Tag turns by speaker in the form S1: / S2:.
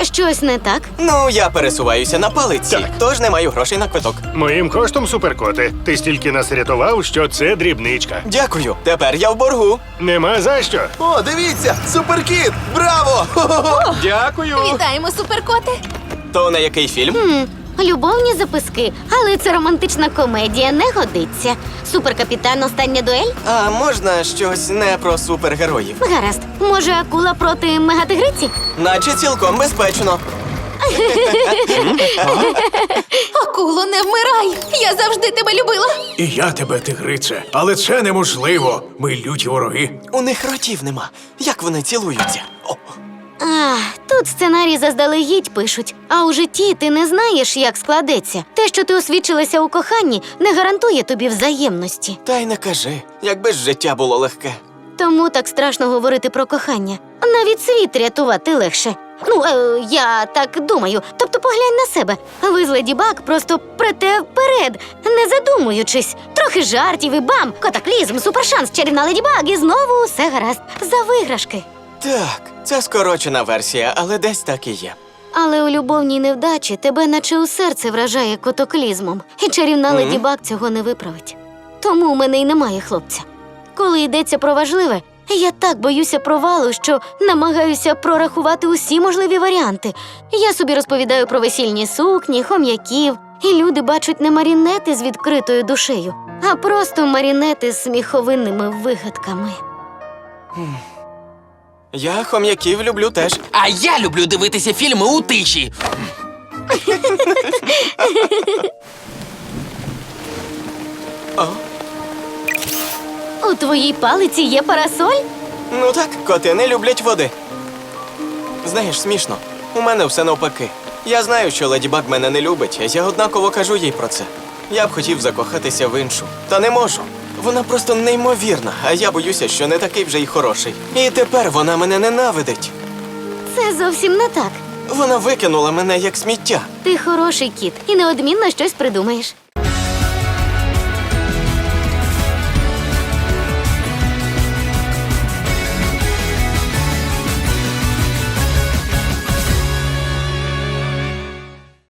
S1: щось не так?
S2: Ну, я пересуваюся на палиці,
S3: Так.
S2: тож не маю грошей на квиток.
S3: Моїм коштом, суперкоте. Ти стільки нас рятував, що це дрібничка.
S2: Дякую, тепер я в боргу.
S3: Нема за що.
S4: О, дивіться! Суперкіт! Браво!
S2: Дякую.
S5: Вітаємо, суперкоте!
S2: То на який фільм?
S1: Любовні записки, але це романтична комедія, не годиться. Суперкапітан, остання дуель?
S2: А можна щось не про супергероїв?
S1: Гаразд. Може, акула проти мегатигриці?
S2: Наче цілком безпечно.
S5: Акуло, не вмирай! Я завжди тебе любила!
S4: І я тебе, тигрице. Але це неможливо. Ми люті вороги.
S2: У них ротів нема. Як вони цілуються? О,
S1: Тут сценарій заздалегідь пишуть, а у житті ти не знаєш, як складеться. Те, що ти освідчилася у коханні, не гарантує тобі взаємності.
S2: та й не кажи, якби ж життя було легке.
S1: Тому так страшно говорити про кохання. Навіть світ рятувати легше. Я так думаю. Тобто поглянь на себе. Ви з Леді Баг просто прете вперед, не задумуючись. Трохи жартів і бам! Катаклізм, супершанс, чарівна Леді Баг і знову усе гаразд. За виграшки.
S2: Так, це скорочена версія, але десь так і є.
S1: Але у любовній невдачі тебе наче у серце вражає котоклізмом. І чарівна Леді Баг цього не виправить. Тому у мене й немає хлопця. Коли йдеться про важливе, я так боюся провалу, що намагаюся прорахувати усі можливі варіанти. Я собі розповідаю про весільні сукні, хом'яків, і люди бачать не марінети з відкритою душею, а просто марінети з сміховинними вигадками.
S2: Я хом'яків люблю теж.
S6: А я люблю дивитися фільми у тиші.
S1: У твоїй палиці є парасоль?
S2: Ну так, коти не люблять води. Знаєш, смішно. У мене все навпаки. Я знаю, що Леді Баг мене не любить, а я однаково кажу їй про це. Я б хотів закохатися в іншу, та не можу. Вона просто неймовірна, а я боюся, що не такий вже й хороший. І тепер вона мене ненавидить.
S1: Це зовсім не так.
S2: Вона викинула мене як сміття.
S1: Ти хороший кіт і неодмінно щось придумаєш.